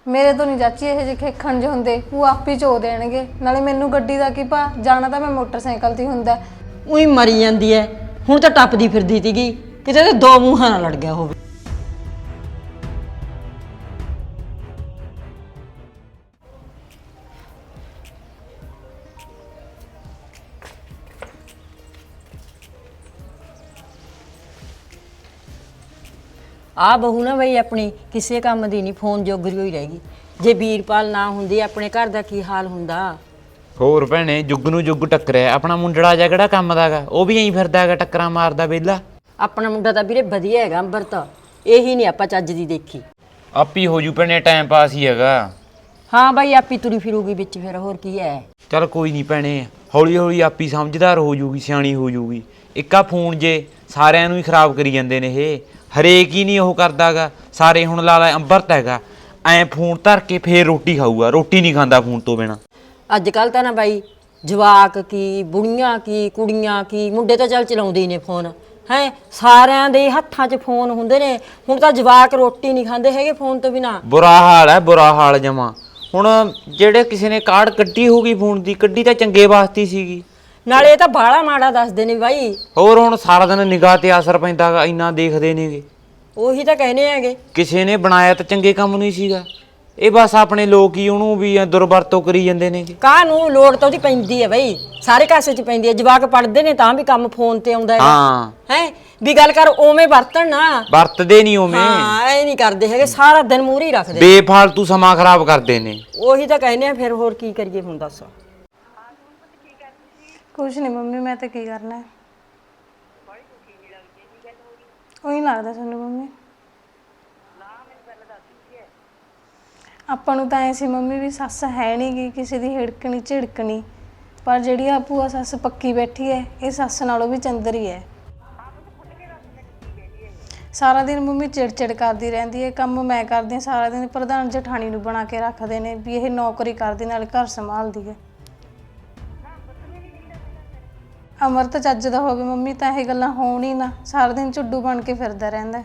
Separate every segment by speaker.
Speaker 1: ਮੇਰੇ ਤੋਂ ਨਹੀਂ ਚਾਚੀ ਇਹ ਜਿਹੇ ਖੇਖਣ ਜਿਹੇ ਹੁੰਦੇ, ਉਹ ਆਪ ਹੀ ਚੋ ਦੇਣਗੇ। ਨਾਲੇ ਮੈਨੂੰ ਗੱਡੀ ਦਾ ਕੀ ਭਾ, ਜਾਣਾ ਤਾਂ ਮੈਂ ਮੋਟਰਸਾਈਕਲ ਤੇ ਹੀ ਹੁੰਦਾ।
Speaker 2: ਉਹੀ ਮਰੀ ਜਾਂਦੀ ਐ, ਹੁਣ ਤਾਂ ਟੱਪਦੀ ਫਿਰਦੀ ਸੀਗੀ, ਕਿਤੇ ਤੇ ਦੋ ਮੂੰਹਾਂ ਨਾਲ ਲੜ ਗਿਆ ਹੋਵੇ। ਆ ਬਹੂ ਨਾ ਬਈ ਆਪਣੀ ਕਿਸੇ ਕੰਮ ਦੀ ਨਹੀਂ, ਫੋਨ ਜੋਗਰੀ ਹੋਈ ਰਹਿ ਗਈ। ਜੇ ਵੀਰਪਾਲ ਨਾ ਹੁੰਦੀ ਆਪਣੇ ਘਰ ਦਾ ਕੀ ਹਾਲ ਹੁੰਦਾ।
Speaker 3: ਹੋਰ ਭੈਣੇ, ਜੁੱਗ ਨੂੰ ਜੁੱਗ ਟੱਕਰਿਆ। ਆਪਣਾ ਮੁੰਡੜਾ ਜਿਹਾ ਕਿਹੜਾ ਕੰਮ ਦਾਗਾ, ਉਹ ਵੀ ਐਂ ਫਿਰਦਾ ਹੈਗਾ, ਟੱਕਰਾਂ ਮਾਰਦਾ ਵਿਹਲਾ।
Speaker 2: ਆਪਣਾ ਮੁੰਡਾ ਤਾਂ ਵੀਰੇ ਵਧੀਆ ਹੈਗਾ ਅੰਬਰਤ, ਇਹੀ ਨਹੀਂ ਆਪਾਂ ਚੱਜ ਦੀ ਦੇਖੀ।
Speaker 3: ਆਪੀ ਹੋ ਜੂ ਭੈਣੇ, ਟਾਈਮ ਪਾਸ ਹੀ ਹੈਗਾ।
Speaker 2: ਹਾਂ ਬਾਈ ਆਪੀ ਤੁਰੀ ਫਿਰੂਗੀ ਵਿੱਚ, ਫਿਰ ਹੋਰ ਕੀ ਹੈ।
Speaker 3: ਚੱਲ ਕੋਈ ਨਹੀਂ ਭੈਣੇ, ਹੌਲੀ ਹੌਲੀ ਆਪੀ ਸਮਝਦਾਰ ਹੋ ਜੂਗੀ, ਸਿਆਣੀ ਹੋ ਜੂਗੀ। ਇੱਕਾ ਫੋਨ ਜੇ ਸਾਰਿਆਂ ਨੂੰ ਹੀ ਖਰਾਬ ਕਰੀ ਜਾਂਦੇ ਨੇ ਇਹ, ਹਰੇਕ ਹੀ ਨਹੀਂ ਉਹ ਕਰਦਾਗਾ। ਸਾਰੇ ਹੁਣ ਲਾ ਲਾ ਅੰਬਰਤ ਹੈਗਾ, ਐਂ ਫੋਨ ਧਰ ਕੇ ਫੇਰ ਰੋਟੀ ਖਾਊਗਾ, ਰੋਟੀ ਨਹੀਂ ਖਾਂਦਾ ਫੋਨ ਤੋਂ ਬਿਨਾਂ।
Speaker 2: ਅੱਜ ਕੱਲ੍ਹ ਤਾਂ ਨਾ ਬਾਈ ਜਵਾਕ ਕੀ, ਬੁੜੀਆਂ ਕੀ, ਕੁੜੀਆਂ ਕੀ, ਮੁੰਡੇ ਤਾਂ ਚੱਲ ਚਲਾਉਂਦੇ ਹੀ ਨੇ ਫੋਨ ਹੈ, ਸਾਰਿਆਂ ਦੇ ਹੱਥਾਂ 'ਚ ਫੋਨ ਹੁੰਦੇ ਨੇ। ਹੁਣ ਤਾਂ ਜਵਾਕ ਰੋਟੀ ਨਹੀਂ ਖਾਂਦੇ ਹੈਗੇ ਫੋਨ ਤੋਂ ਬਿਨਾਂ।
Speaker 3: ਬੁਰਾ ਹਾਲ ਹੈ, ਬੁਰਾ ਹਾਲ ਜਮਾ। ਹੁਣ ਜਿਹੜੇ ਕਿਸੇ ਨੇ ਕਾਰਡ ਕੱਢੀ ਹੋਊਗੀ ਫੋਨ ਦੀ, ਕੱਢੀ ਤਾਂ ਚੰਗੇ ਵਾਸਤੇ ਸੀਗੀ।
Speaker 2: ਨਾਲੇ ਇਹ ਤਾਂ ਬਾਹਲਾ ਮਾੜਾ ਦੱਸਦੇ ਨੇ ਬਾਈ।
Speaker 3: ਹੋਰ ਹੁਣ ਸਾਰਾ ਦਿਨ ਨਿਗਾਹ ਤੇ ਅਸਰ ਪੈਂਦਾ ਗਾ, ਇੰਨਾ ਦੇਖਦੇ ਨੇਗੇ।
Speaker 2: ਉਹੀ ਤਾਂ ਕਹਿੰਦੇ ਹੈਗੇ,
Speaker 3: ਕਿਸੇ ਨੇ ਬਣਾਇਆ ਤਾਂ ਚੰਗੇ ਕੰਮ ਨਹੀਂ ਸੀਗਾ, ਇਹ ਬਸ ਆਪਣੇ ਲੋਕ ਹੀ ਉਹਨੂੰ ਵੀ ਦੁਰਵਰਤੋਂ ਕਰੀ ਜਾਂਦੇ ਨੇਗੇ।
Speaker 2: ਕਾਹਨੂੰ ਲੋੜ ਤਾਂ ਉਹਦੀ ਪੈਂਦੀ ਹੈ ਬਈ, ਸਾਰੇ ਕਾਸੇ 'ਚ ਪੈਂਦੀ ਹੈ। ਜਵਾਕ ਪੜ੍ਹਦੇ ਨੇ ਤਾਂ ਵੀ ਕੰਮ ਫੋਨ ਤੇ ਆਉਂਦਾ
Speaker 3: ਹਾਂ
Speaker 2: ਹੈ ਵੀ ਗੱਲ ਕਰ, ਉਵੇਂ ਵਰਤਣ ਨਾ,
Speaker 3: ਵਰਤਦੇ ਨਹੀਂ ਉਵੇਂ।
Speaker 2: ਹਾਂ ਐ ਨਹੀਂ ਕਰਦੇ ਹੈਗੇ, ਸਾਰਾ ਦਿਨ ਮੂਹਰੇ ਹੀ ਰੱਖਦੇ,
Speaker 3: ਬੇਫਾਲਤੂ ਸਮਾਂ ਖਰਾਬ ਕਰਦੇ ਨੇ।
Speaker 2: ਉਹੀ ਤਾਂ ਕਹਿੰਦੇ ਆ। ਫਿਰ ਹੋਰ ਕੀ ਕਰੀਏ ਹੁਣ ਦੱਸ।
Speaker 1: ਕੁਛ ਨਹੀਂ ਮੰਮੀ, ਮੈਂ ਤਾਂ ਕੀ ਕਰਨਾ ਹੈ। ਉਹੀ ਲੱਗਦਾ ਤੁਹਾਨੂੰ ਮੰਮੀ। ਆਪਾਂ ਨੂੰ ਤਾਂ ਐ ਸੀ ਮੰਮੀ ਵੀ ਸੱਸ ਹੈ ਨਹੀਂ ਗੀ ਕਿਸੇ ਦੀ ਹਿੜਕਣੀ ਝਿੜਕਣੀ, ਪਰ ਜਿਹੜੀ ਆ ਭੂਆ ਸੱਸ ਪੱਕੀ ਬੈਠੀ ਹੈ, ਇਹ ਸੱਸ ਨਾਲੋਂ ਵੀ ਚੰਦਰ ਹੀ ਹੈ। ਸਾਰਾ ਦਿਨ ਮੰਮੀ ਚਿੜਚਿੜ ਕਰਦੀ ਰਹਿੰਦੀ ਹੈ। ਕੰਮ ਮੈਂ ਕਰਦੀ ਹਾਂ ਸਾਰਾ ਦਿਨ, ਪ੍ਰਧਾਨ ਜਠਾਣੀ ਨੂੰ ਬਣਾ ਕੇ ਰੱਖਦੇ ਨੇ ਵੀ ਇਹ ਨੌਕਰੀ ਕਰਦੀ ਨਾਲ ਘਰ ਸੰਭਾਲਦੀ ਹੈ। ਅਮਰਤ ਚੱਜ ਦਾ ਹੋਵੇ ਮੰਮੀ ਤਾਂ ਇਹ ਗੱਲਾਂ ਹੋਣ ਹੀ ਨਾ, ਸਾਰਾ ਦਿਨ ਝੁੱਡੂ ਬਣ ਕੇ ਫਿਰਦਾ ਰਹਿੰਦਾ।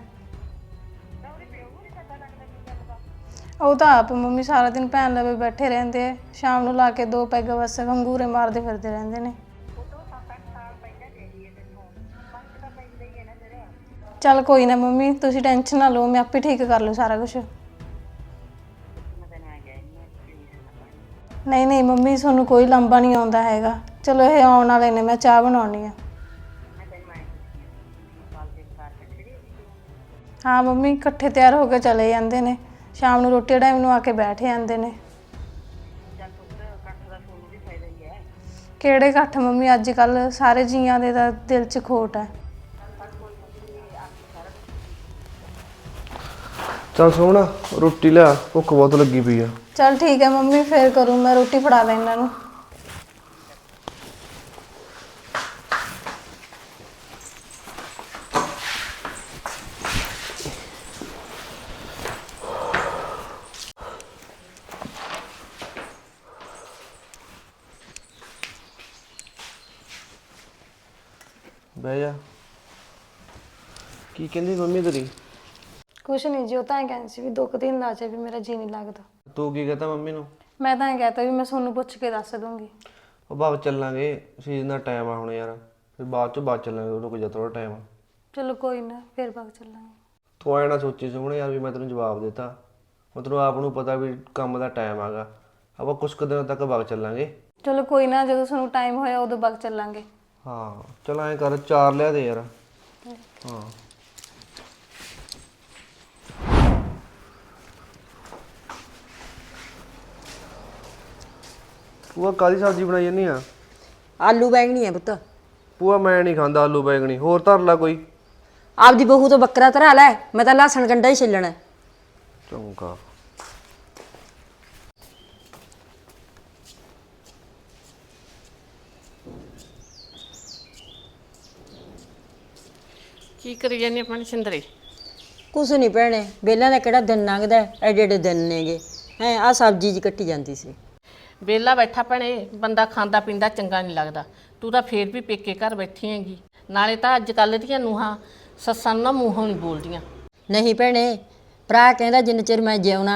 Speaker 1: ਉਹ ਤਾਂ ਆਪ ਮੰਮੀ ਸਾਰਾ ਦਿਨ ਭੈਣ ਲਵੇ ਬੈਠੇ ਰਹਿੰਦੇ ਆ, ਸ਼ਾਮ ਨੂੰ ਲਾ ਕੇ 2 ਪੈਗ ਬਸ ਅੰਗੂਰੇ ਮਾਰਦੇ ਫਿਰਦੇ ਰਹਿੰਦੇ ਨੇ। ਚੱਲ ਕੋਈ ਨਾ ਮੰਮੀ, ਤੁਸੀਂ ਟੈਨਸ਼ਨ ਨਾ ਲਓ, ਮੈਂ ਆਪੇ ਠੀਕ ਕਰ ਲੂ ਸਾਰਾ ਕੁਛ। ਨਹੀਂ ਨਹੀਂ ਮੰਮੀ, ਤੁਹਾਨੂੰ ਕੋਈ ਲੰਬਾ ਨਹੀਂ ਆਉਂਦਾ ਹੈਗਾ। ਚਲੋ ਇਹ ਆਉਣ ਵਾਲੇ ਨੇ, ਮੈਂ ਚਾਹ ਬਣਾਉਣੀ ਆ। ਹਾਂ ਮੰਮੀ, ਇਕੱਠੇ ਤਿਆਰ ਹੋ ਕੇ ਚਲੇ ਜਾਂਦੇ ਨੇ, ਸ਼ਾਮ ਨੂੰ ਰੋਟੀ ਟਾਈਮ ਨੂੰ ਆ ਕੇ ਬੈਠ ਜਾਂਦੇ ਨੇ। ਕਿਹੜੇ ਇਕੱਠ ਮੰਮੀ, ਅੱਜ ਕੱਲ ਸਾਰੇ ਜੀਆਂ ਦੇ ਤਾਂ ਦਿਲ 'ਚ ਖੋਟ ਹੈ।
Speaker 4: ਚੱਲ ਸੋਹਣਾ ਰੋਟੀ ਲਿਆ, ਭੁੱਖ ਬਹੁਤ ਲੱਗੀ ਪਈ ਆ।
Speaker 1: ਚੱਲ ਠੀਕ ਹੈ ਮੰਮੀ, ਫੇਰ ਕਰੂੰ ਮੈਂ, ਰੋਟੀ ਫੜਾ ਦਾਂ ਇਹਨਾਂ ਨੂੰ।
Speaker 4: ਬਹਿ ਜਾ। ਕੀ ਕਹਿੰਦੀ ਮੰਮੀ ਤੇਰੀ?
Speaker 1: ਕੁਛ ਨਹੀਂ ਜੀ, ਉਹ ਤਾਂ ਐਂ ਕਹਿੰਦੀ ਸੀ ਵੀ 2 ਦਿਨ ਲਾ ਜਾਏ, ਵੀ ਮੇਰਾ ਜੀ ਨਹੀਂ ਲੱਗਦਾ।
Speaker 4: ਤੂੰ ਕੀ ਕਹਤਾ ਮੰਮੀ ਨੂੰ?
Speaker 1: ਮੈਂ ਤਾਂ ਐਂ ਕਹਤਾ ਵੀ ਮੈਂ ਤੁਹਾਨੂੰ ਪੁੱਛ ਕੇ ਦੱਸ ਦੂੰਗੀ।
Speaker 4: ਉਹ ਬਾਅਦ ਚੱਲਾਂਗੇ, ਸੀਜ਼ਨ ਦਾ ਟਾਈਮ ਆ ਹੁਣ ਯਾਰ, ਫਿਰ ਬਾਅਦ ਚੱਲਾਂਗੇ, ਰੁਕ ਜਾ ਥੋੜਾ ਟਾਈਮ।
Speaker 1: ਚਲੋ ਕੋਈ ਨਾ, ਫੇਰ ਬਾਅਦ ਚੱਲਾਂਗੇ।
Speaker 4: ਤੂੰ ਐਂ ਨਾ ਸੋਚੀ ਸੋਹਣੇ ਯਾਰ ਵੀ ਮੈਂ ਤੈਨੂੰ ਜਵਾਬ ਦਿੱਤਾ, ਹੁਣ ਤੈਨੂੰ ਆਪ ਨੂੰ ਪਤਾ ਵੀ ਕੰਮ ਦਾ ਟਾਈਮ ਆਗਾ, ਆਪਾਂ ਕੁਛ ਕੁ ਦਿਨਾਂ ਤੱਕ ਬਾਅਦ ਚੱਲਾਂਗੇ।
Speaker 1: ਚਲੋ ਕੋਈ ਨਾ, ਜਦੋਂ ਤੁਹਾਨੂੰ ਟਾਈਮ ਹੋਇਆ ਉਦੋਂ ਬਾਅਦ ਚੱਲਾਂਗੇ।
Speaker 4: ਹਾਂ ਚਲ ਐਂ ਕਰ, 4 ਲਿਆ ਦੇ ਯਾਰ। ਹਾਂ ਭੂਆ ਕਾਹਦੀ ਸਬਜ਼ੀ ਬਣਾਈ ਜਾਂਦੀ ਆ?
Speaker 2: ਆਲੂ ਬੈਂਗਣੀ ਹੈ ਪੁੱਤ।
Speaker 4: ਭੂਆ ਮੈਂ ਨਹੀਂ ਖਾਂਦਾ ਆਲੂ ਬੈਗਣੀ, ਹੋਰ ਧਰ ਲਾ ਕੋਈ।
Speaker 2: ਆਪਦੀ ਬਹੂ ਤੋਂ ਬੱਕਰਾ ਧਰਾ ਲੈ, ਮੈਂ ਤਾਂ ਲਸਣ ਗੰਢਾ ਹੀ ਛਿੱਲਣਾ।
Speaker 4: ਚੰਗਾ।
Speaker 5: ਕੀ ਕਰੀ ਜਾਂਦੀ ਆਪਣੀ ਸਿੰਦਰੀ?
Speaker 2: ਕੁਛ ਨਹੀਂ ਭੈਣੇ, ਵਿਹਲਿਆਂ ਦਾ ਕਿਹੜਾ ਦਿਨ ਲੰਘਦਾ, ਐਡੇ ਐਡੇ ਦਿਨ ਨੇਗੇ। ਹੈ ਆਹ ਸਬਜ਼ੀ ਜੀ ਕੱਟੀ ਜਾਂਦੀ ਸੀ।
Speaker 5: ਵਿਹਲਾ ਬੈਠਾ ਭੈਣੇ, ਬੰਦਾ ਖਾਂਦਾ ਪੀਂਦਾ ਚੰਗਾ ਨਹੀਂ ਲੱਗਦਾ। ਤੂੰ ਤਾਂ ਫੇਰ ਵੀ ਪੇਕੇ ਘਰ ਬੈਠੀ ਹੈਗੀ। ਨਾਲੇ ਤਾਂ ਅੱਜ ਕੱਲ੍ਹ ਦੀਆਂ ਨੂੰਹਾਂ ਸੱਸਾਂ ਨੂੰ ਨਾ ਮੂੰਹੋਂ ਨਹੀਂ ਬੋਲਦੀਆਂ।
Speaker 2: ਨਹੀਂ ਭੈਣੇ, ਭਰਾ ਕਹਿੰਦਾ ਜਿੰਨੇ ਚਿਰ ਮੈਂ ਜਿਉਣਾ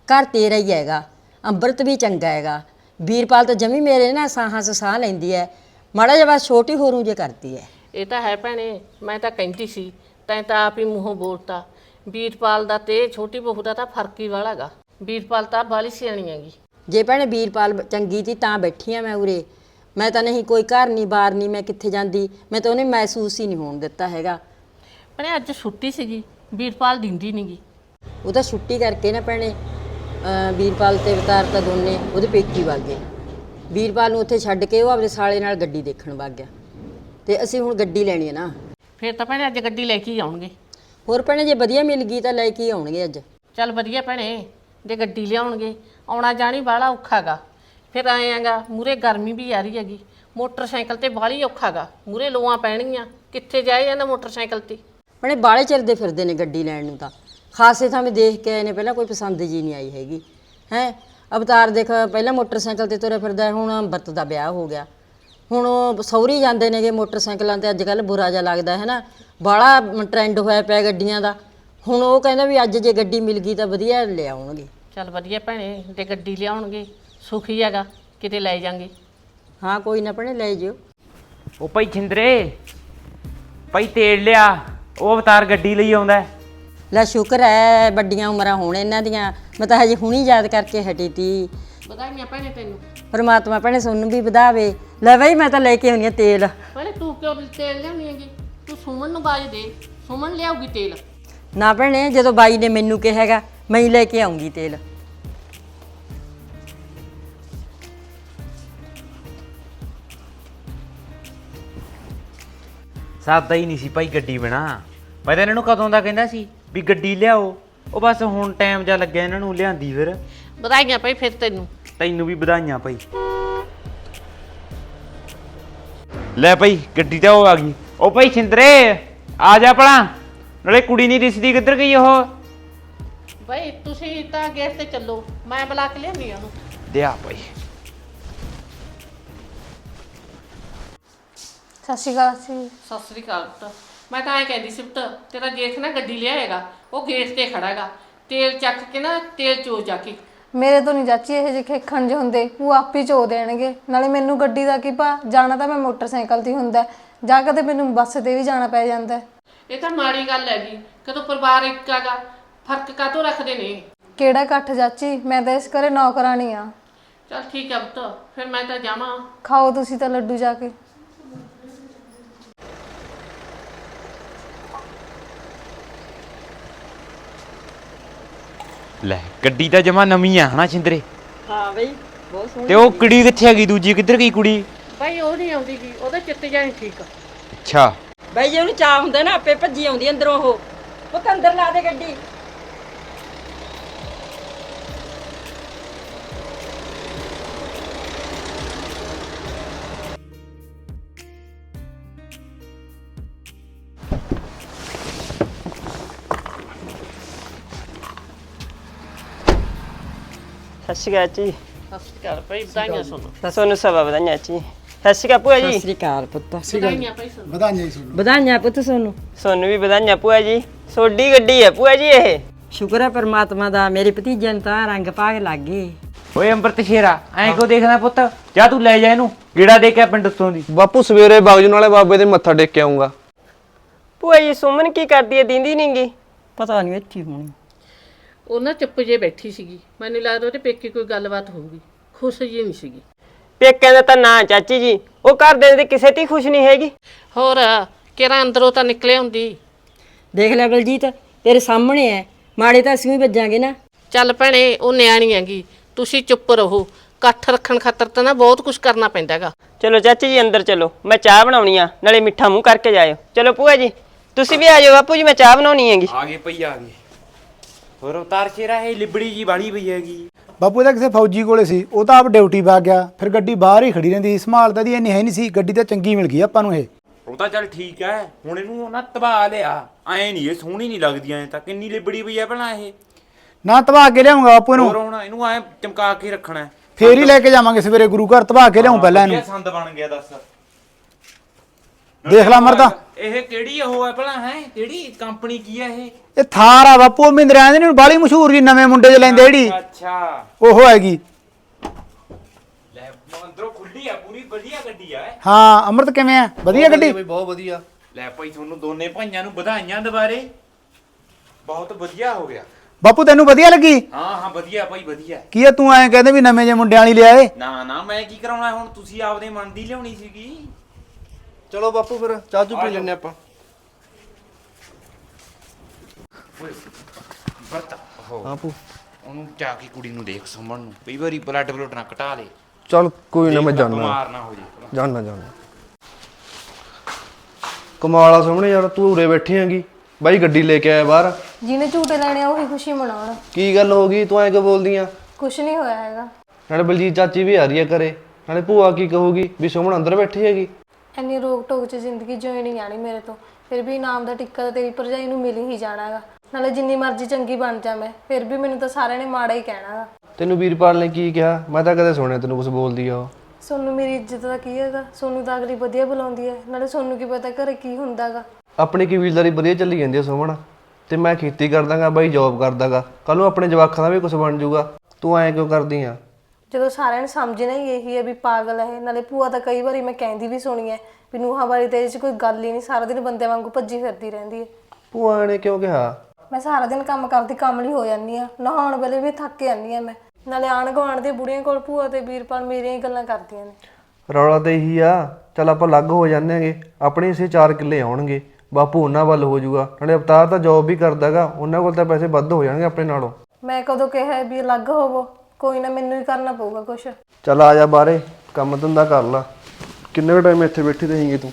Speaker 2: ਘਰ ਤੇਰਾ ਹੀ ਹੈਗਾ, ਅੰਮ੍ਰਿਤ ਵੀ ਚੰਗਾ ਹੈਗਾ, ਵੀਰਪਾਲ ਤਾਂ ਜਮੀ ਮੇਰੇ ਨਾ ਸਾਹਾਂ 'ਚ ਸਾਹ ਲੈਂਦੀ ਹੈ, ਮਾੜਾ ਜਿਹਾ ਬਸ ਛੋਟੀ ਹੋਰੂ ਜੇ ਕਰਦੀ ਹੈ।
Speaker 5: ਇਹ ਤਾਂ ਹੈ ਭੈਣੇ, ਮੈਂ ਤਾਂ ਕਹਿੰਦੀ ਸੀ, ਤੈਂ ਤਾਂ ਆਪ ਹੀ ਮੂੰਹੋਂ ਬੋਲਤਾ। ਵੀਰਪਾਲ ਦਾ ਤੇ ਛੋਟੀ ਬਹੂ ਦਾ ਤਾਂ ਫਰਕ ਹੀ ਵਾਲਾ ਗਾ। ਵੀਰਪਾਲ ਤਾਂ ਬਾਲੀ ਸਿਆਣੀ ਹੈਗੀ।
Speaker 2: ਜੇ ਭੈਣੇ ਵੀਰਪਾਲ ਚੰਗੀ ਸੀ ਤਾਂ ਬੈਠੀ ਆ ਮੈਂ ਉਰੇ, ਮੈਂ ਤਾਂ ਨਹੀਂ ਕੋਈ ਘਰ ਨਹੀਂ ਬਾਰ ਨਹੀਂ, ਮੈਂ ਕਿੱਥੇ ਜਾਂਦੀ, ਮੈਂ ਤਾਂ ਉਹਨੇ ਮਹਿਸੂਸ ਹੀ ਨਹੀਂ ਹੋਣ ਦਿੱਤਾ ਹੈਗਾ।
Speaker 5: ਭੈਣੇ ਅੱਜ ਛੁੱਟੀ ਸੀਗੀ, ਵੀਰਪਾਲ ਦਿੰਦੀ ਨੀ ਗੀ।
Speaker 2: ਉਹ ਤਾਂ ਛੁੱਟੀ ਕਰਕੇ ਨਾ ਭੈਣੇ ਵੀਰਪਾਲ ਤੇ ਅਵਤਾਰ ਤਾਂ ਦੋਨੇ ਉਹਦੇ ਪੇਕੀ ਵਗ ਗਏ। ਵੀਰਪਾਲ ਨੂੰ ਉੱਥੇ ਛੱਡ ਕੇ ਉਹ ਆਪਣੇ ਸਾਲੇ ਨਾਲ ਗੱਡੀ ਦੇਖਣ ਵਗ ਗਿਆ, ਤੇ ਅਸੀਂ ਹੁਣ ਗੱਡੀ ਲੈਣੀ ਹੈ ਨਾ।
Speaker 5: ਫਿਰ ਤਾਂ ਭੈਣੇ ਅੱਜ ਗੱਡੀ ਲੈ ਕੇ ਹੀ ਆਉਣਗੇ।
Speaker 2: ਹੋਰ ਭੈਣੇ ਜੇ ਵਧੀਆ ਮਿਲ ਗਈ ਤਾਂ ਲੈ ਕੇ ਹੀ ਆਉਣਗੇ ਅੱਜ।
Speaker 5: ਚੱਲ ਵਧੀਆ ਭੈਣੇ, ਜੇ ਗੱਡੀ ਲਿਆਉਣਗੇ, ਆਉਣਾ ਜਾਣੀ ਬਾਹਲਾ ਔਖਾ ਗਾ। ਫਿਰ ਆਏ ਆਂਗਾ ਮੂਰੇ ਗਰਮੀ ਵੀ ਆ ਰਹੀ ਹੈਗੀ, ਮੋਟਰਸਾਈਕਲ ਤੇ ਬਾਹਲੀ ਔਖਾ ਗਾ, ਮੂਰੇ ਲੋਆਂ ਪੈਣਗੀਆਂ, ਕਿੱਥੇ ਜਾਏ ਜਾਂਦਾ ਮੋਟਰਸਾਈਕਲ ਤੇ।
Speaker 2: ਭੈਣੇ ਬਾਹਲੇ ਚਿਰਦੇ ਫਿਰਦੇ ਨੇ ਗੱਡੀ ਲੈਣ ਨੂੰ, ਤਾਂ ਖਾਸੇ ਥਾਂ ਮੈਂ ਦੇਖ ਕੇ ਆਏ ਨੇ, ਪਹਿਲਾਂ ਕੋਈ ਪਸੰਦ ਜੀ ਨਹੀਂ ਆਈ ਹੈਗੀ ਹੈ। ਅਵਤਾਰ ਦੇਖ ਪਹਿਲਾਂ ਮੋਟਰਸਾਈਕਲ ਤੇ ਤੁਰਿਆ ਫਿਰਦਾ, ਹੁਣ ਅੰਮ੍ਰਿਤ ਦਾ ਵਿਆਹ ਹੋ ਗਿਆ, ਹੁਣ ਉਹ ਸਹੁਰੀ ਜਾਂਦੇ ਨੇਗੇ ਮੋਟਰਸਾਈਕਲਾਂ ਤੇ, ਅੱਜ ਕੱਲ੍ਹ ਬੁਰਾ ਜਿਹਾ ਲੱਗਦਾ ਹੈ ਨਾ, ਬਾਹਲਾ ਟਰੈਂਡ ਹੋਇਆ ਪਿਆ ਗੱਡੀਆਂ ਦਾ। ਹੁਣ ਉਹ ਕਹਿੰਦਾ ਵੀ ਅੱਜ ਜੇ ਗੱਡੀ ਮਿਲ ਗਈ ਤਾਂ ਵਧੀਆ ਲਿਆਉਣਗੇ।
Speaker 5: ਚੱਲ ਵਧੀਆ ਭੈਣੇ, ਜੇ ਗੱਡੀ ਲਿਆਉਣਗੇ ਸੁਖੀ ਹੈਗਾ, ਕਿਤੇ ਲੈ ਜਾਾਂਗੇ।
Speaker 2: ਹਾਂ ਕੋਈ ਨਾ ਭੈਣੇ ਲੈ ਜਿਓ।
Speaker 3: ਉਹ ਭਾਈ ਛਿੰਦਰੇ, ਭਾਈ ਤੇਲ ਲਿਆ, ਉਹ ਅਵਤਾਰ ਗੱਡੀ ਲਈ ਆਉਂਦਾ।
Speaker 2: ਲੈ ਸ਼ੁਕਰ ਹੈ ਵੱਡੀਆਂ ਉਮਰਾਂ ਹੋਣ ਇਹਨਾਂ ਦੀਆਂ, ਮੈਂ ਤਾਂ ਹਜੇ ਹੁਣੀ ਯਾਦ ਕਰਕੇ ਹਟੀ ਤੀ।
Speaker 5: ਵਧਾਈਆਂ ਭੈਣੇ ਤੈਨੂੰ।
Speaker 2: ਪਰਮਾਤਮਾ ਭੈਣੇ ਤੁਹਾਨੂੰ ਵੀ ਵਧਾਵੇ। ਲੈ ਬਈ ਮੈਂ ਤਾਂ ਲੈ ਕੇ ਆਉਣੀ ਆ ਤੇਲ।
Speaker 5: ਭੈਣੇ ਤੂੰ ਕਿਉਂ ਤੇਲ ਲਿਆਉਣੀ ਹੈਗੀ? ਤੂੰ ਸੁਮਨ ਨੂੰ ਬਾਜ ਦੇ, ਸੁਮਨ ਲਿਆਉਗੀ ਤੇਲ।
Speaker 2: ਨਾ ਭੈਣੇ ਜਦੋਂ ਬਾਈ ਨੇ ਮੈਨੂੰ ਕਿਹਾ ਹੈਗਾ ਮੈਂ ਹੀ ਲੈ ਕੇ ਆਉਂਗੀ ਤੇਲ।
Speaker 3: ਸਾਦਾ ਹੀ ਨਹੀਂ ਸੀ ਭਾਈ ਗੱਡੀ ਬਣਾ। ਮੈਂ ਤਾਂ ਇਹਨਾਂ ਨੂੰ ਕਦੋਂ ਦਾ ਕਹਿੰਦਾ ਸੀ ਵੀ ਗੱਡੀ ਲਿਆਓ, ਉਹ ਬਸ ਹੁਣ ਟਾਈਮ ਜਾ ਲੱਗਿਆ ਇਹਨਾਂ ਨੂੰ ਲਿਆਂਦੀ। ਫਿਰ
Speaker 5: ਵਧਾਈਆਂ ਭਾਈ ਫਿਰ ਤੈਨੂੰ।
Speaker 3: ਤੈਨੂੰ ਵੀ ਵਧਾਈਆਂ ਭਾਈ। ਲੈ ਭਾਈ ਗੱਡੀ ਤਾਂ ਉਹ ਆ ਗਈ। ਉਹ ਭਾਈ ਛਿੰਦਰੇ ਆ ਜਾ ਭਲਾ, ਨਾਲੇ ਕੁੜੀ ਨਹੀਂ ਦਿਸਦੀ, ਕਿੱਧਰ ਗਈ ਉਹ?
Speaker 5: ਭਾਈ ਤੁਸੀਂ ਤਾਂ ਗੇਟ ਤੇ ਚੱਲੋ, ਮੈਂ ਬੁਲਾ ਕੇ ਲਿਆਉਂਦੀ ਉਹਨੂੰ।
Speaker 3: ਦਿਆ ਭਾਈ।
Speaker 1: ਸਤਿ ਸ਼੍ਰੀ ਅਕਾਲ ਜੀ।
Speaker 5: ਸਤਿ ਸ੍ਰੀ ਅਕਾਲ ਪੁੱਤ। ਮੈਂ ਤਾਂ ਐਂ ਕਹਿੰਦੀ ਸੀ ਪੁੱਤ, ਤੇਰਾ ਜੇਠ ਨਾ ਗੱਡੀ ਲਿਆਏਗਾ, ਉਹ ਗੇਟ ਤੇ ਖੜਾ ਹੈਗਾ, ਤੇਲ ਚੱਕ ਕੇ ਨਾ ਤੇਲ ਚੋ ਜਾ ਕੇ।
Speaker 1: ਮੇਰੇ ਤੋਂ ਨਹੀਂ ਚਾਚੀ ਇਹ ਜਿਹੇ ਖੇਖਣ ਜਿਹੇ ਹੁੰਦੇ, ਉਹ ਆਪ ਹੀ ਚੋ ਦੇਣਗੇ। ਨਾਲੇ ਮੈਨੂੰ ਗੱਡੀ ਦਾ ਕੀ ਭਾ, ਜਾਣਾ ਤਾਂ ਮੈਂ ਮੋਟਰਸਾਈਕਲ ਤੇ ਹੀ ਹੁੰਦਾ, ਜਾਂ ਕਦੇ ਮੈਨੂੰ ਬੱਸ ਤੇ ਵੀ ਜਾਣਾ ਪੈ ਜਾਂਦਾ।
Speaker 5: ਇਹ ਤਾਂ ਮਾੜੀ ਗੱਲ ਹੈਗੀ, ਕਦੋਂ ਪਰਿਵਾਰ ਇੱਕ ਹੈਗਾ, ਫਰਕ ਕਾਹਤੋਂ ਰੱਖਦੇ ਨੇ?
Speaker 1: ਕਿਹੜਾ ਇਕੱਠ ਚਾਚੀ, ਮੈਂ ਤਾਂ ਇਸ ਘਰੇ ਨੌਕਰਾਣੀ ਆ।
Speaker 5: ਚੱਲ ਠੀਕ ਹੈ ਪੁੱਤ, ਫਿਰ ਮੈਂ ਤਾਂ ਜਾਵਾਂ।
Speaker 1: ਖਾਓ ਤੁਸੀਂ ਤਾਂ ਲੱਡੂ ਜਾ ਕੇ।
Speaker 3: ਲੈ ਗੱਡੀ ਤਾਂ ਜਮਾ ਨਵੀਂ ਆ ਹਨਾ ਛਿੰਦਰੇ?
Speaker 2: ਹਾਂ ਬਈ ਬਹੁਤ ਸੋਹਣੀ।
Speaker 3: ਤੇ ਉਹ ਕੁੜੀ ਕਿੱਥੇ ਹੈਗੀ ਦੂਜੀ, ਕਿੱਧਰ ਗਈ ਕੁੜੀ?
Speaker 5: ਭਾਈ ਉਹ ਨਹੀਂ ਆਉਂਦੀ ਗੀ, ਉਹਦਾ ਚਿੱਤ ਜਾਣੀ ਠੀਕ ਆ।
Speaker 3: ਅੱਛਾ
Speaker 2: ਬਈ ਜੇ ਉਹਨੂੰ ਚਾਹ ਹੁੰਦਾ ਨਾ ਆਪੇ ਭੱਜੀ ਆਉਂਦੀ ਅੰਦਰੋਂ। ਉਹ ਅੰਦਰ ਲਾ ਦੇ ਗੱਡੀ।
Speaker 6: ਸਤਿ ਸ਼੍ਰੀ ਅਕਾਲ ਜੀ।
Speaker 5: ਸਤਿ ਸ਼੍ਰੀ ਅਕਾਲ ਭਾਈ, ਵਧਾਈਆਂ ਸੁਣੋ।
Speaker 6: ਤੁਹਾਨੂੰ ਸਭ ਵਧਾਈਆਂ ਜੀ। ਸਤਿ ਸ਼੍ਰੀ ਅਕਾਲ ਭੂਆ
Speaker 2: ਸਤਿ
Speaker 6: ਜੀ।
Speaker 2: ਸ੍ਰੀ ਅਕਾਲ ਪੁੱਤ।
Speaker 5: ਵਧਾਈਆਂ ਭਾਈ ਸੁਣੋ।
Speaker 2: ਵਧਾਈਆਂ ਪੁੱਤ ਤੁਹਾਨੂੰ।
Speaker 6: ਤੁਹਾਨੂੰ ਵੀ ਵਧਾਈਆਂ ਭੂਆ ਜੀ। ਸੋਡੀ ਗੱਡੀ ਹੈ ਭੂਆ ਜੀ ਇਹ।
Speaker 2: ਸ਼ੁਕਰ ਹੈ ਪਰਮਾਤਮਾ ਦਾ, ਮੇਰੇ ਭਤੀਜੇ ਨੂੰ ਤਾਂ ਰੰਗ ਭਾਗ ਲੱਗ ਗਏ।
Speaker 3: ਓਏ ਅੰਮ੍ਰਿਤ ਸ਼ੇਰਾ, ਐਂ ਕਿਉਂ ਦੇਖਦਾ ਪੁੱਤ? ਜਾ ਤੂੰ ਲੈ ਜਾ ਇਹਨੂੰ, ਗੇੜਾ ਦੇ ਕੇ ਪਿੰਡ ਉੱਤੋਂ ਦੀ।
Speaker 4: ਬਾਪੂ ਸਵੇਰੇ ਬਾਗਜੂ ਨਾਲੇ ਬਾਬੇ ਦੇ ਮੱਥਾ ਟੇਕ ਕੇ ਆਉਂਗਾ।
Speaker 6: ਭੂਆ ਜੀ ਸੁਮਨ ਕੀ ਕਰਦੀ ਹੈ, ਦਿੰਦੀ ਨੀ ਗੀ?
Speaker 2: ਪਤਾ ਨਹੀਂ ਇੱਥੇ ਹੋਣੀ।
Speaker 5: ਉਹ ਨਾ ਚੁੱਪ ਜੇ ਬੈਠੀ ਸੀਗੀ, ਮੈਨੂੰ ਲੱਗਦਾ ਉਹਦੇ ਪੇਕੇ ਕੋਈ ਗੱਲਬਾਤ ਹੋਊਗੀ, ਖੁਸ਼ ਜੀ ਨਹੀਂ ਸੀਗੀ।
Speaker 6: ਪੇਕਿਆਂ ਦਾ ਤਾਂ ਨਾ ਚਾਚੀ ਜੀ, ਉਹ ਘਰ ਦੇ ਤੇ ਕਿਸੇ ਤੇ ਖੁਸ਼ ਨਹੀਂ ਹੈਗੀ।
Speaker 5: ਹੋਰ ਕਿਹੜਾ ਅੰਦਰੋਂ ਤਾਂ ਨਿਕਲੇ ਹੁੰਦੀ।
Speaker 2: ਦੇਖ ਲੈ ਬਲਜੀਤ, ਤੇਰੇ ਸਾਹਮਣੇ ਐ, ਮਾੜੇ ਤਾਂ ਅਸੀਂ ਵੀ ਵੱਜਾਂਗੇ ਨਾ।
Speaker 5: ਚੱਲ ਭੈਣੇ, ਉਹ ਨਿਆਣੀ ਹੈਗੀ, ਤੁਸੀਂ ਚੁੱਪ ਰਹੋ। ਇਕੱਠ ਰੱਖਣ ਖਾਤਰ ਤਾਂ ਨਾ ਬਹੁਤ ਕੁਝ ਕਰਨਾ ਪੈਂਦਾ ਹੈਗਾ।
Speaker 6: ਚਲੋ ਚਾਚੀ ਜੀ ਅੰਦਰ ਚਲੋ, ਮੈਂ ਚਾਹ ਬਣਾਉਣੀ ਆ, ਨਾਲੇ ਮਿੱਠਾ ਮੂੰਹ ਕਰਕੇ ਜਾਇਓ। ਚਲੋ ਭੂਆ ਜੀ ਤੁਸੀਂ ਵੀ ਆ ਜਾਓ। ਬਾਪੂ ਜੀ ਮੈਂ ਚਾਹ ਬਣਾਉਣੀ ਹੈਗੀ।
Speaker 3: ਆ ਗਏ ਭਈ ਆ ਗਏ। ਹੋਰ ਉਤਾਰ ਸ਼ੇਰਾ, ਇਹ ਲਿਬੜੀ ਜੀ ਬਾੜੀ ਪਈ ਹੈਗੀ।
Speaker 7: ਬਾਪੂ ਇਹਦਾ ਕਿਸੇ ਫੌਜੀ ਕੋਲੇ ਸੀ, ਉਹ ਤਾਂ ਆਪ ਡਿਊਟੀ ਵਗ ਗਿਆ, ਫਿਰ ਗੱਡੀ ਬਾਹਰ ਹੀ ਖੜੀ ਰਹਿੰਦੀ, ਸੰਭਾਲਦਾ ਦੀ ਇੰਨੀ ਹੈ ਨਹੀਂ ਸੀ। ਗੱਡੀ ਤਾਂ ਚੰਗੀ ਮਿਲ ਗਈ ਆਪਾਂ ਨੂੰ ਇਹ।
Speaker 3: ਉਹ ਤਾਂ ਚੱਲ ਠੀਕ ਐ, ਹੁਣ ਇਹਨੂੰ ਨਾ ਤਬਾ ਲਿਆ। ਐ ਨਹੀਂ ਇਹ ਸੋਹਣੀ ਨਹੀਂ ਲੱਗਦੀ, ਐ ਤਾਂ ਕਿੰਨੀ ਲਿਬੜੀ ਪਈ ਐ ਭਲਾ ਇਹ।
Speaker 7: ਨਾ ਤਬਾ ਕੇ ਲਿਆਉਂਗਾ ਬਾਪੂ
Speaker 3: ਹੋਰ
Speaker 7: ਨੂੰ,
Speaker 3: ਹੁਣ ਇਹਨੂੰ ਐ ਚਮਕਾ ਕੇ ਰੱਖਣਾ।
Speaker 7: ਫੇਰ ਹੀ ਲੈ ਕੇ ਜਾਵਾਂਗੇ ਸਵੇਰੇ ਗੁਰੂ ਘਰ, ਤਬਾ ਕੇ ਲਿਆਉਂ ਪਹਿਲਾਂ
Speaker 3: ਵਧੀਆ
Speaker 7: ਇਹਨੂੰ।
Speaker 3: ਸੰਦ ਬਣ ਗਿਆ ਦੱਸ।
Speaker 7: ਦੇਖ ਲੈ ਮਰਦਾ,
Speaker 3: ਇਹ ਕਿਹੜੀ ਉਹ ਹੈ ਭਲਾ ਹੈ ਕਿਹੜੀ ਕੰਪਨੀ ਕੀ ਹੈ ਇਹ
Speaker 7: ਇਹ ਥਾਰ ਆ ਬਾਪੂ ਉਹ ਮਹਿੰਦਰਾ ਦੇ ਨੇ ਬਾਲੀ ਮਸ਼ਹੂਰ ਜੀ ਨਵੇਂ ਮੁੰਡੇ ਚ ਲੈਂਦੇ ਜਿਹੜੀ
Speaker 3: ਅੱਛਾ
Speaker 7: ਉਹ ਹੈਗੀ।
Speaker 3: ਲੈ ਅੰਦਰੋਂ ਖੁੱਲੀ ਆ ਪੂਰੀ ਵਧੀਆ ਗੱਡੀ ਆ ਇਹ।
Speaker 7: ਹਾਂ ਅਮਰਤ ਕਿਵੇਂ ਆ ਵਧੀਆ ਗੱਡੀ?
Speaker 4: ਬਈ ਬਹੁਤ ਵਧੀਆ।
Speaker 3: ਲੈ ਭਾਈ ਤੁਹਾਨੂੰ ਦੋਨੇ ਭਾਈਆਂ ਨੂੰ ਵਧਾਈਆਂ ਦੁਬਾਰੇ ਬਹੁਤ ਵਧੀਆ ਹੋ ਗਿਆ।
Speaker 7: ਬਾਪੂ ਤੈਨੂੰ ਵਧੀਆ ਲੱਗੀ?
Speaker 3: ਹਾਂ ਹਾਂ ਵਧੀਆ ਭਾਈ ਵਧੀਆ।
Speaker 7: ਕੀ ਆ ਤੂੰ ਐਂ ਕਹਿੰਦੇ ਵੀ ਨਵੇਂ ਜੇ ਮੁੰਡਿਆਂ ਵਾਲੀ ਲਿਆਏ?
Speaker 3: ਨਾ ਨਾ ਮੈਂ ਕੀ ਕਰਾਉਣਾ ਹੁਣ ਤੁਸੀਂ ਆਪਦੇ ਮਨ ਦੀ ਲਿਆਉਣੀ ਸੀਗੀ।
Speaker 4: ਚਲੋ ਬਾਪੂ ਫਿਰ ਚਾਹ ਚੂ ਪੀ ਲੈਣੇ ਆਪਾਂ।
Speaker 3: ਓਏ ਵਰਤਾ ਹੋ
Speaker 4: ਬਾਪੂ
Speaker 3: ਉਹਨੂੰ ਜਾ ਕੇ ਕੁੜੀ ਨੂੰ ਦੇਖ ਸੁਮਨ ਨੂੰ ਕਈ ਵਾਰੀ ਬਲੱਡ ਬਲੱਡ ਨਾ ਘਟਾ ਲੇ।
Speaker 4: ਚੱਲ ਕੋਈ ਨਾ ਮੈਂ ਜਾਣਾ।
Speaker 3: ਬਿਮਾਰ ਨਾ ਹੋ ਜੇ।
Speaker 4: ਜਾਣਾ ਕਮਾਲਾ ਸਾਹਮਣੇ ਯਾਰ ਤੂੰ ਉਰੇ ਬੈਠੀ ਹੈਗੀ ਬਾਈ ਗੱਡੀ ਲੈ ਕੇ ਆਇਆ ਬਾਹਰ।
Speaker 1: ਜਿਹਨੇ ਝੂਟੇ ਲੈਣੇ ਆ ਉਹੀ ਖੁਸ਼ੀ ਮਨਾਉਣ।
Speaker 4: ਕੀ ਗੱਲ ਹੋ ਗਈ ਤੂੰ ਐਂ ਕਿਉਂ ਬੋਲਦੀ ਆ?
Speaker 1: ਕੁਛ ਨਹੀਂ ਹੋਇਆ ਹੈਗਾ।
Speaker 4: ਨਾਲੇ ਬਲਜੀਤ ਚਾਚੀ ਵੀ ਆ ਰਹੀ ਆ ਘਰੇ। ਨਾਲੇ ਭੂਆ ਕੀ ਕਹੂਗੀ ਵੀ ਸੁਮਨ ਅੰਦਰ ਬੈਠੀ ਹੈਗੀ।
Speaker 1: ਇੰਨੀ ਰੋਕ ਟੋਕ 'ਚ ਜ਼ਿੰਦਗੀ ਜਿਉਣੀ ਨਹੀਂ ਜਾਣੀ ਮੇਰੇ ਤੋਂ। ਫਿਰ ਵੀ ਇਨਾਮ ਦਾ ਟਿੱਕਾ ਤਾਂ ਤੇਰੀ ਭਰਜਾਈ ਨੂੰ ਮਿਲ ਹੀ ਜਾਣਾ ਹੈਗਾ। ਨਾਲੇ ਜਿੰਨੀ ਮਰਜ਼ੀ ਚੰਗੀ ਬਣ ਜਾ ਮੈਂ ਫਿਰ ਵੀ ਮੈਨੂੰ ਤਾਂ ਸਾਰਿਆਂ ਨੇ ਮਾੜਾ ਹੀ ਕਹਿਣਾ ਹੈਗਾ।
Speaker 4: ਤੈਨੂੰ ਵੀਰਪਾਲ ਨੇ ਕੀ ਕਿਹਾ? ਮੈਂ ਤਾਂ ਕਦੇ ਸੁਣਿਆ ਤੈਨੂੰ ਕੁਝ ਬੋਲਦੀ ਆ ਉਹ।
Speaker 1: ਸੋਨੂੰ ਮੇਰੀ ਇੱਜ਼ਤ ਦਾ ਕੀ ਹੈਗਾ? ਸੋਨੂੰ ਤਾਂ ਅਗਲੀ ਵਧੀਆ ਬੁਲਾਉਂਦੀ ਹੈ। ਨਾਲੇ ਸੋਨੂੰ ਕੀ ਪਤਾ ਘਰੇ ਕੀ ਹੁੰਦਾਗਾ।
Speaker 4: ਆਪਣੀ ਕਬੀਲਦਾਰੀ ਵਧੀਆ ਚੱਲੀ ਜਾਂਦੀ ਆ ਸੁਮਨ। ਤੇ ਮੈਂ ਖੇਤੀ ਕਰਦਾਗਾ ਬਾਈ ਜੌਬ ਕਰਦਾਗਾ। ਕੱਲ ਨੂੰ ਆਪਣੇ ਜਵਾਕਾਂ ਦਾ ਵੀ ਕੁਝ ਬਣ ਜਾਊਗਾ। ਤੂੰ ਐਂ ਕਿਉਂ ਕਰਦੀ ਆ?
Speaker 1: ਜਦੋਂ ਸਾਰਿਆਂ ਨੇ ਸਮਝਣਾ ਹੀ ਇਹੀ ਹੈ ਵੀ ਪਾਗਲ ਹੈ। ਨਾਲੇ ਭੂਆ ਤਾਂ ਕਈ ਵਾਰੀ ਮੈਂ ਕਹਿੰਦੀ ਵੀ ਸੁਣੀ ਹੈ ਵੀ ਨੂੰਹਾਂ ਵਾਲੀ ਤੇ ਇਹ 'ਚ ਕੋਈ ਗੱਲ ਹੀ ਨਹੀਂ। ਸਾਰਾ ਦਿਨ ਬੰਦੇ ਵਾਂਗੂ ਭੱਜੀ ਫਿਰਦੀ ਰਹਿੰਦੀ ਹੈ।
Speaker 4: ਭੂਆ ਨੇ ਕਿਉਂ ਕਿਹਾ?
Speaker 1: ਮੈਂ ਸਾਰਾ ਦਿਨ ਕੰਮ ਕਰਦੀ ਕਾਮਲੀ ਹੋ ਜਾਂਦੀ ਆ। ਨਹਾਉਣ ਵੇਲੇ ਵੀ ਥੱਕ ਜਾਂਦੀ ਆ ਮੈਂ। ਨਾਲੇ ਆਣ ਗੁਆਂਢ ਦੇ ਬੁੜੀਆਂ ਕੋਲ ਭੂਆ ਤੇ ਵੀਰਪਾਲ ਮੇਰੀਆਂ ਹੀ ਗੱਲਾਂ ਕਰਦੀਆਂ ਨੇ।
Speaker 4: ਰੌਲਾ ਤਾਂ ਇਹੀ ਆ। ਚੱਲ ਆਪਾਂ ਅਲੱਗ ਹੋ ਜਾਂਦੇ ਆਂਗੇ। ਆਪਣੇ ਇਸੇ 4 ਕਿੱਲੇ ਆਉਣਗੇ। ਬਾਪੂ ਉਹਨਾਂ ਵੱਲ ਹੋ ਜਾਊਗਾ। ਨਾਲੇ ਅਵਤਾਰ ਤਾਂ ਜੌਬ ਵੀ ਕਰਦਾਗਾ। ਉਹਨਾਂ ਕੋਲ ਤਾਂ ਪੈਸੇ ਵੱਧ ਹੋ ਜਾਣਗੇ ਆਪਣੇ ਨਾਲੋਂ।
Speaker 1: ਮੈਂ ਕਦੋਂ ਕਿਹਾ ਵੀ ਅਲੱਗ ਹੋਵੋ? ਕੋਈ ਨਾ ਮੈਨੂੰ ਹੀ ਕਰਨਾ ਪਊਗਾ ਕੁਛ।
Speaker 4: ਚੱਲ ਆ ਜਾ ਬਾਹਰੇ ਕੰਮ ਧੰਦਾ ਕਰ ਲਾ। ਕਿੰਨੇ ਕੁ ਟਾਈਮ ਇੱਥੇ ਬੈਠੀ ਰਹੇਂਗੀ ਤੂੰ?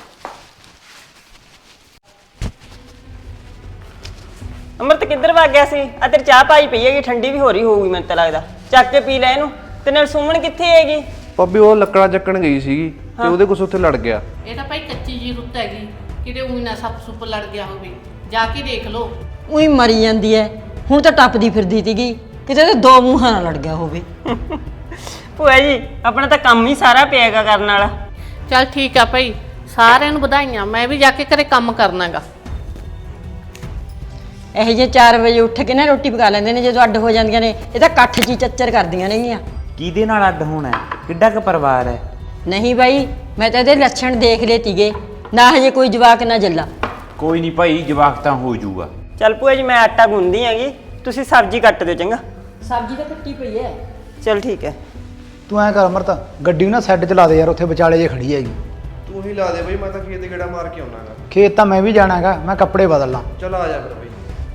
Speaker 6: ਅਮਰਤ ਕਿੱਧਰ ਭੱਗ ਗਿਆ ਸੀ? ਆ ਤੇਰੀ ਚਾਹ ਪਾਈ ਪਈ ਹੈਗੀ ਠੰਡੀ ਵੀ ਹੋ ਰਹੀ ਹੋਊਗੀ ਮੈਨੂੰ ਤਾਂ ਲੱਗਦਾ। ਚੱਕ ਕੇ ਪੀ ਲੈ ਇਹਨੂੰ। ਤੇ ਨਾਲ ਸੁਮਨ ਕਿੱਥੇ ਹੈਗੀ?
Speaker 4: ਭਾਬੀ ਉਹ ਲੱਕੜਾਂ ਚੱਕਣ ਗਈ ਸੀਗੀ ਤੇ ਉਹਦੇ ਕੁਛ ਉੱਥੇ ਲੜ ਗਿਆ।
Speaker 5: ਇਹ ਤਾਂ ਭਾਈ ਕੱਚੀ ਜੀ ਰੁੱਤ ਹੈਗੀ ਕਿਤੇ ਊਂ ਨਾ ਸੱਪ ਸੁੱਪ ਲੜ ਗਿਆ ਹੋਵੇ। ਜਾ ਕੇ ਦੇਖ ਲਓ।
Speaker 2: ਉਹੀ ਮਰੀ ਜਾਂਦੀ ਐ। ਹੁਣ ਤਾਂ ਟੱਪਦੀ ਫਿਰਦੀ ਸੀਗੀ ਕਿਤੇ ਤੇ ਦੋ ਮੂੰਹਾਂ ਨਾਲ ਲੜ ਗਿਆ ਹੋਵੇ।
Speaker 6: ਭੂਆ ਜੀ ਆਪਣਾ ਤਾਂ ਕੰਮ ਹੀ ਸਾਰਾ ਪਿਆਗਾ ਕਰਨ ਵਾਲਾ।
Speaker 5: ਚੱਲ ਠੀਕ ਆ ਭਾਈ ਸਾਰਿਆਂ ਨੂੰ ਵਧਾਈਆਂ। ਮੈਂ ਵੀ ਜਾ ਕੇ ਘਰੇ ਕੰਮ ਕਰਨਾਗਾ।
Speaker 2: ਇਹੋ ਜਿਹੇ 4 ਵਜੇ ਉੱਠ ਕੇ ਨਾ ਰੋਟੀ ਪਕਾ ਲੈਂਦੇ ਨੇ। ਜਦੋਂ ਅੱਡ ਹੋ ਜਾਂਦੀਆਂ ਨੇ ਇਹ ਤਾਂ ਇਕੱਠ 'ਚ ਹੀ ਚੱਚਰ ਕਰਦੀਆਂ ਨੇਗੀਆਂ।
Speaker 3: ਕਿਹਦੇ ਨਾਲ ਅੱਡ ਹੋਣਾ ਹੈ? ਕਿੱਡਾ ਕੁ ਪਰਿਵਾਰ ਹੈ?
Speaker 2: ਨਹੀਂ ਬਾਈ ਮੈਂ ਤਾਂ ਇਹਦੇ ਲੱਛਣ ਦੇਖ ਲਏ ਤੀਗੇ। ਨਾ ਹਜੇ ਕੋਈ ਜਵਾਕ ਨਾ ਜੱਲਾ।
Speaker 3: ਕੋਈ ਨਹੀਂ ਭਾਈ ਜਵਾਕ ਤਾਂ ਹੋ ਜਾਊਗਾ।
Speaker 6: ਚੱਲ ਭੂਆ ਜੀ ਮੈਂ ਆਟਾ ਗੁੰਨਦੀ ਹੈਗੀ। ਤੁਸੀਂ ਸਬਜ਼ੀ ਕੱਟ ਦਿਓ ਚੰਗਾ।
Speaker 2: ਸਬਜ਼ੀ ਤਾਂ ਕੱਟੀ ਪਈ ਐ।
Speaker 6: ਚੱਲ ਠੀਕ ਹੈ।
Speaker 7: ਤੂੰ ਐਂ ਕਰ ਅਮਰਤ ਗੱਡੀ ਨਾ ਸਾਈਡ 'ਚ ਲਾ ਦੇ ਯਾਰ। ਉੱਥੇ ਵਿਚਾਲੇ ਜੇ ਖੜੀ ਹੈਗੀ।
Speaker 4: ਤੂੰ ਹੀ ਲਾ ਦੇ ਬਈ। ਮੈਂ ਤਾਂ ਖੇਤ ਤੇ ਗੇੜਾ ਮਾਰ ਕੇ ਆਉਣਾਗਾ।
Speaker 7: ਖੇਤ ਤਾਂ ਮੈਂ ਵੀ ਜਾਣਾਗਾ। ਮੈਂ ਕੱਪੜੇ ਬਦਲ ਲਾਂ।
Speaker 4: ਚੱਲ ਆ ਜਾ ਫਿਰ ਬਈ।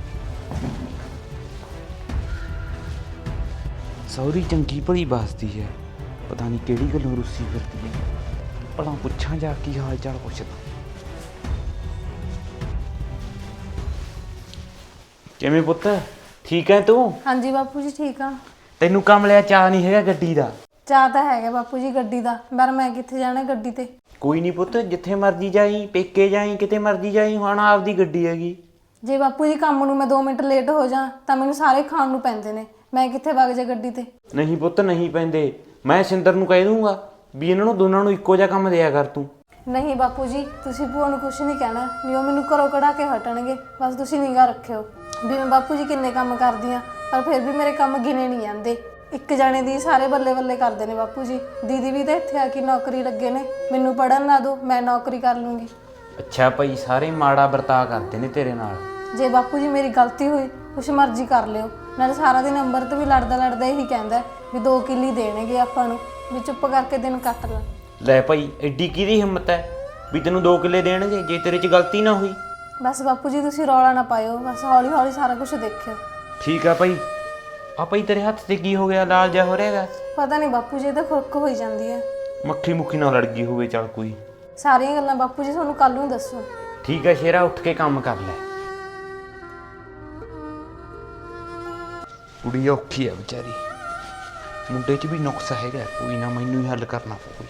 Speaker 3: ਸੌਰੀ ਚੰਗੀ ਭਲੀ ਬਸਦੀ ਹੈ। ਪਤਾ ਨਹੀਂ ਕਿਹੜੀ ਗੱਲੋਂ ਰੁੱਸੀ ਫਿਰਦੀ ਹੈ। ਭਲਾ ਪੁੱਛਾਂ ਜਾ ਕੀ ਹਾਲ ਚਾਲ ਪੁੱਛਦਾ। ਕਿਵੇਂ ਪੁੱਤ ਠੀਕ ਹੈ ਤੂੰ?
Speaker 1: ਹਾਂਜੀ ਬਾਪੂ ਜੀ ਠੀਕ ਆ।
Speaker 3: ਤੈਨੂੰ ਕੰਮ ਲਿਆ ਚਾਹ ਨਹੀਂ ਹੈਗਾ ਗੱਡੀ ਦਾ?
Speaker 1: ਚਾਹ ਤਾਂ ਹੈਗਾ ਬਾਪੂ ਜੀ ਗੱਡੀ ਦਾ। ਪਰ ਮੈਂ ਕਿੱਥੇ ਜਾਣਾ ਗੱਡੀ ਤੇ?
Speaker 3: ਕੋਈ ਨਹੀਂ ਪੁੱਤ ਜਿੱਥੇ ਮਰਜ਼ੀ ਜਾਈ ਪੇਕੇ ਜਾਈ ਕਿਤੇ ਮਰਜ਼ੀ ਜਾਈ ਹੁਣ ਆਪਦੀ ਗੱਡੀ ਹੈਗੀ।
Speaker 1: ਜੇ ਬਾਪੂ ਜੀ ਕੰਮ ਨੂੰ ਮੈਂ 2 ਮਿੰਟ ਲੇਟ ਹੋ ਜਾ ਤਾਂ ਮੈਨੂੰ ਸਾਰੇ ਖਾਣ ਨੂੰ ਪੈਂਦੇ ਨੇ। ਮੈਂ ਕਿੱਥੇ ਵਗ ਜਾ ਗੱਡੀ ਤੇ?
Speaker 3: ਨਹੀਂ ਪੁੱਤ ਨਹੀਂ ਪੈਂਦੇ। ਮੈਂ ਸਿੰਦਰ ਨੂੰ ਕਹਿ ਦੂੰਗਾ ਵੀ ਇਹਨਾਂ ਨੂੰ ਦੋਨਾਂ ਨੂੰ ਇੱਕੋ ਜਿਹਾ ਕੰਮ ਦਿਆ ਕਰ ਤੂੰ।
Speaker 1: ਨਹੀਂ ਬਾਪੂ ਜੀ ਤੁਸੀਂ ਭੂਆ ਨੂੰ ਕੁਛ ਨਹੀਂ ਕਹਿਣਾ ਵੀ ਉਹ ਮੈਨੂੰ ਘਰੋਂ ਕਢਾ ਕੇ ਹਟਣਗੇ। ਬਸ ਤੁਸੀਂ ਨਿਗਾਹ ਰੱਖਿਓ ਵੀ ਮੈਂ ਬਾਪੂ ਜੀ ਕਿੰਨੇ ਕੰਮ ਕਰਦੀ ਆ। ਪਰ ਫਿਰ ਵੀ ਮੇਰੇ ਕੰਮ ਗਿਣੇ ਨਹੀਂ ਜਾਂਦੇ। ਇੱਕ ਜਾਣੇ ਦੀ ਸਾਰੇ ਬੱਲੇ ਬੱਲੇ ਕਰਦੇ ਨੇ ਬਾਪੂ ਜੀ। ਦੀਦੀ ਵੀ ਤਾਂ ਇੱਥੇ ਆ ਕੇ ਨੌਕਰੀ ਲੱਗੇ ਨੇ। ਮੈਨੂੰ ਪੜਨ ਨਾ ਦਿਓ ਮੈਂ ਨੌਕਰੀ ਕਰ ਲੂੰਗੀ।
Speaker 3: ਅੱਛਾ ਭਾਈ ਸਾਰੇ ਮਾੜਾ ਵਰਤਾਅ ਕਰਦੇ ਨੇ ਤੇਰੇ ਨਾਲ।
Speaker 1: ਜੇ ਬਾਪੂ ਜੀ ਮੇਰੀ ਗਲਤੀ ਹੋਈ ਕੁਛ ਮਰਜ਼ੀ ਕਰ ਲਿਓ। ਨਾਲੇ ਸਾਰਾ ਦਿਨ ਅੰਮ੍ਰਿਤ ਵੀ ਲੜਦਾ ਲੜਦਾ ਇਹੀ ਕਹਿੰਦਾ ਵੀ 2 ਕਿੱਲੀ ਦੇਣਗੇ ਆਪਾਂ ਨੂੰ ਵੀ ਚੁੱਪ ਕਰਕੇ ਦਿਨ ਕੱਟ ਲੈ।
Speaker 3: ਲੈ ਭਾਈ ਐਡੀ ਕਿਹਦੀ ਹਿੰਮਤ ਹੈ ਵੀ ਤੈਨੂੰ 2 ਕਿੱਲੇ ਦੇਣਗੇ ਜੇ ਤੇਰੇ 'ਚ ਗਲਤੀ ਨਾ ਹੋਈ?
Speaker 1: ਬਸ ਬਾਪੂ ਜੀ ਤੁਸੀਂ ਰੌਲਾ ਨਾ ਪਾਇਓ। ਬਸ ਹੌਲੀ ਹੌਲੀ ਸਾਰਾ ਕੁਝ ਦੇਖਿਓ।
Speaker 3: ਠੀਕ ਆ ਭਾਈ। ਆ ਭਾਈ ਤੇਰੇ ਹੱਥ ਤੇ ਕੀ ਹੋ ਗਿਆ? ਲਾਲ ਜਿਹਾ ਹੋ ਰਿਹਾਗਾ।
Speaker 1: ਪਤਾ ਨਹੀਂ ਬਾਪੂ ਜੀ ਤਾਂ ਖੁਰਕ ਹੋਈ ਜਾਂਦੀ ਹੈ।
Speaker 3: ਮੱਖੀ ਮੁੱਖੀ ਨਾਲ ਲੜ ਗਈ ਹੋਵੇ ਚੱਲ ਕੋਈ।
Speaker 1: ਸਾਰੀਆਂ ਗੱਲਾਂ ਬਾਪੂ ਜੀ ਤੁਹਾਨੂੰ ਕੱਲ ਨੂੰ ਦੱਸੋ।
Speaker 3: ਠੀਕ ਹੈ ਸ਼ੇਰਾ ਉੱਠ ਕੇ ਕੰਮ ਕਰ ਲੈ। ਕੁੜੀ ਔਖੀ ਆ ਵਿਚਾਰੀ। ਮੁੰਡੇ 'ਚ ਵੀ ਨੁਕਸ ਹੈਗਾ ਕੋਈ ਨਾ ਮੈਨੂੰ ਹੀ ਹੱਲ ਕਰਨਾ ਪਊ।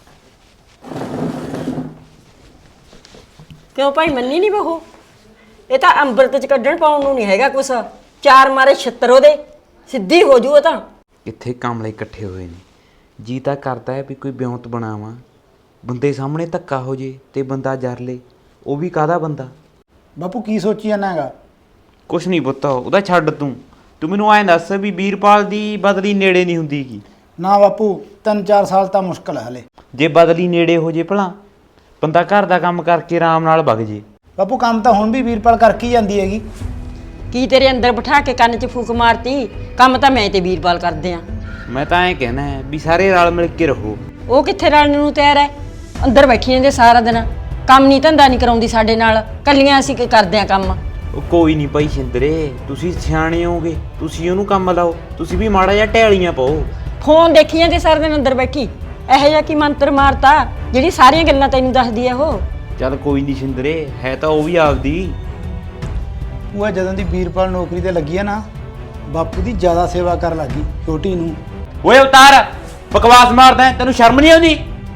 Speaker 2: ਕਿਉਂ ਭਾਈ ਮੰਨੀ ਨਹੀਂ ਬਹੂ? ਇਹ ਤਾਂ ਅੰਮ੍ਰਿਤ ਚ ਕੱਢਣ ਪਾਉਣ ਨੂੰ ਨਹੀਂ ਹੈਗਾ ਕੁਛ। ਚਾਰ ਮਾਰੇ ਛਿੱਤਰ ਉਹਦੇ, ਸਿੱਧੀ ਹੋ ਜੂ ਉਹ ਤਾਂ।
Speaker 3: ਕਿੱਥੇ ਕਾਮਲੇ ਇਕੱਠੇ ਹੋਏ ਨੇ। ਜੀ ਤਾਂ ਕਰਦਾ ਹੈ ਵੀ ਕੋਈ ਬਿਉਂਤ ਬਣਾਵਾਂ, ਬੰਦੇ ਸਾਹਮਣੇ ਧੱਕਾ ਹੋ ਜੇ ਤੇ ਬੰਦਾ ਜਰ ਲੇ। ਉਹ ਵੀ ਕਾਹਦਾ ਬੰਦਾ।
Speaker 7: ਬਾਪੂ ਕੀ ਸੋਚੀ ਜਾਂਦਾ ਹੈਗਾ?
Speaker 3: ਕੁਛ ਨਹੀਂ ਪੁੱਤ, ਉਹਦਾ ਛੱਡ ਤੂੰ ਮੈਨੂੰ ਐਂ ਦੱਸ ਵੀ ਵੀਰਪਾਲ ਦੀ ਬਦਲੀ ਨੇੜੇ ਨਹੀਂ ਹੁੰਦੀ ਕੀ?
Speaker 7: ਨਾ ਬਾਪੂ 3-4 ਸਾਲ ਤਾਂ ਮੁਸ਼ਕਲ ਹੈ ਹਲੇ।
Speaker 3: ਜੇ ਬਦਲੀ ਨੇੜੇ ਹੋ ਜੇ ਭਲਾ ਬੰਦਾ ਘਰ ਦਾ ਕੰਮ ਕਰਕੇ ਆਰਾਮ ਨਾਲ ਵਗ ਜੇ।
Speaker 7: ਬਾਪੂ ਕੰਮ ਤਾਂ ਹੁਣ ਵੀ ਵੀਰਪਾਲ ਕਰਕੇ ਹੀ ਜਾਂਦੀ ਹੈਗੀ।
Speaker 2: ਕੀ ਤੇਰੇ ਅੰਦਰ ਬਿਠਾ ਕੇ ਕੰਨ 'ਚ ਫੂਕ ਮਾਰਤੀ? ਕੰਮ ਤਾਂ ਮੈਂ ਤੇ ਵੀਰਪਾਲ ਕਰਦੇ ਆ।
Speaker 3: ਮੈਂ ਤਾਂ ਐਂ ਕਹਿਣਾ ਹੈ ਵੀ ਸਾਰੇ ਰਲ ਮਿਲ ਕੇ ਰਹੋ।
Speaker 2: ਉਹ ਕਿੱਥੇ ਰਲਣ ਨੂੰ ਤਿਆਰ ਹੈ? ਅੰਦਰ ਬੈਠੀ ਰਹਿੰਦੇ ਸਾਰਾ ਦਿਨ, ਕੰਮ ਨਹੀਂ ਧੰਦਾ ਨਹੀਂ ਕਰਾਉਂਦੀ ਸਾਡੇ ਨਾਲ। ਕੱਲੀਆਂ ਅਸੀਂ ਕੀ ਕਰਦੇ ਆ ਕੰਮ?
Speaker 3: ਉਹ ਕੋਈ ਨਹੀਂ ਭਾਈ ਸ਼ਿੰਦਰੇ, ਤੁਸੀਂ ਸਿਆਣੇ ਹੋਗੇ, ਤੁਸੀਂ ਉਹਨੂੰ ਕੰਮ ਲਾਓ। ਤੁਸੀਂ ਵੀ ਮਾੜਾ ਜਿਹਾ ਢੈਲੀਆਂ ਪਾਓ।
Speaker 2: ਫੋਨ ਦੇਖੀ ਜਾਂਦੇ ਸਾਰਾ ਦਿਨ ਅੰਦਰ ਬੈਠੀ। ਇਹੋ ਜਿਹਾ ਕੀ ਮੰਤਰ ਮਾਰਤਾ ਜਿਹੜੀ ਸਾਰੀਆਂ ਗੱਲਾਂ ਤੈਨੂੰ ਦੱਸਦੀ ਆ ਉਹ?
Speaker 3: ਚੱਲ ਕੋਈ ਨਹੀਂ ਸ਼ਿੰਦਰੇ, ਹੈ ਤਾਂ ਉਹ ਵੀ ਆਪਦੀ।
Speaker 7: ਉਹ ਜਦੋਂ ਦੀ ਵੀਰਪਾਲ ਨੌਕਰੀ ਤੇ ਲੱਗੀ ਆ ਨਾ, ਬਾਪੂ ਦੀ ਜ਼ਿਆਦਾ ਸੇਵਾ ਕਰਨ ਲੱਗੀ ਛੋਟੀ ਨੂੰ।
Speaker 3: ਓਏ ਅਵਤਾਰ, ਬਕਵਾਸ ਮਾਰਦਾ ਹੈ, ਤੈਨੂੰ ਸ਼ਰਮ ਨਹੀਂ ਆਉਂਦੀ?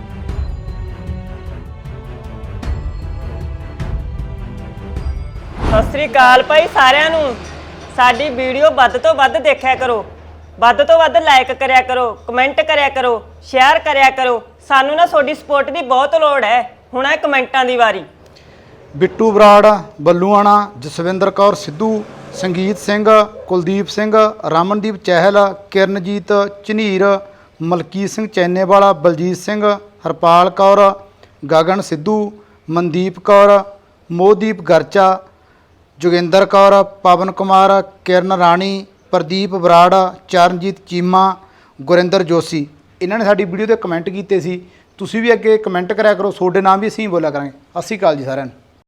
Speaker 6: ਸਤਿ ਸ੍ਰੀ ਅਕਾਲ ਭਾਈ ਸਾਰਿਆਂ ਨੂੰ। ਸਾਡੀ ਵੀਡੀਓ ਵੱਧ ਤੋਂ ਵੱਧ ਦੇਖਿਆ ਕਰੋ, ਵੱਧ ਤੋਂ ਵੱਧ ਲਾਈਕ ਕਰਿਆ ਕਰੋ, ਕਮੈਂਟ ਕਰਿਆ ਕਰੋ, ਸ਼ੇਅਰ ਕਰਿਆ ਕਰੋ। ਸਾਨੂੰ ਨਾ ਤੁਹਾਡੀ ਸਪੋਰਟ ਦੀ ਬਹੁਤ ਲੋੜ ਹੈ। ਹੁਣ ਹੈ ਕਮੈਂਟਾਂ ਦੀ ਵਾਰੀ।
Speaker 7: ਬਿੱਟੂ ਬਰਾੜ, ਬੱਲੂਆਣਾ, ਜਸਵਿੰਦਰ ਕੌਰ ਸਿੱਧੂ, ਸੰਗੀਤ ਸਿੰਘ, ਕੁਲਦੀਪ ਸਿੰਘ, ਰਮਨਦੀਪ ਚਹਿਲ, ਕਿਰਨਜੀਤ ਝਨੀਰ, ਮਲਕੀਤ ਸਿੰਘ ਚੈਨੇਵਾਲਾ, ਬਲਜੀਤ ਸਿੰਘ, ਹਰਪਾਲ ਕੌਰ, ਗਗਨ ਸਿੱਧੂ, ਮਨਦੀਪ ਕੌਰ, ਮੋਹਦੀਪ ਗਰਚਾ, ਜੋਗਿੰਦਰ ਕੌਰ, ਪਵਨ ਕੁਮਾਰ, ਕਿਰਨ ਰਾਣੀ, ਪ੍ਰਦੀਪ ਬਰਾੜ, ਚਰਨਜੀਤ ਚੀਮਾ, ਗੁਰਿੰਦਰ ਜੋਸ਼ੀ। ਇਹਨਾਂ ਨੇ ਸਾਡੀ ਵੀਡੀਓ ਤੇ ਕਮੈਂਟ ਕੀਤੇ ਸੀ। ਤੁਸੀਂ ਵੀ ਅੱਗੇ ਕਮੈਂਟ ਕਰਿਆ ਕਰੋ, ਤੁਹਾਡੇ ਨਾਮ ਵੀ ਅਸੀਂ ਬੋਲਿਆ ਕਰਾਂਗੇ। ਸਤਿ ਸ਼੍ਰੀ ਅਕਾਲ ਜੀ ਸਾਰਿਆਂ ਨੂੰ।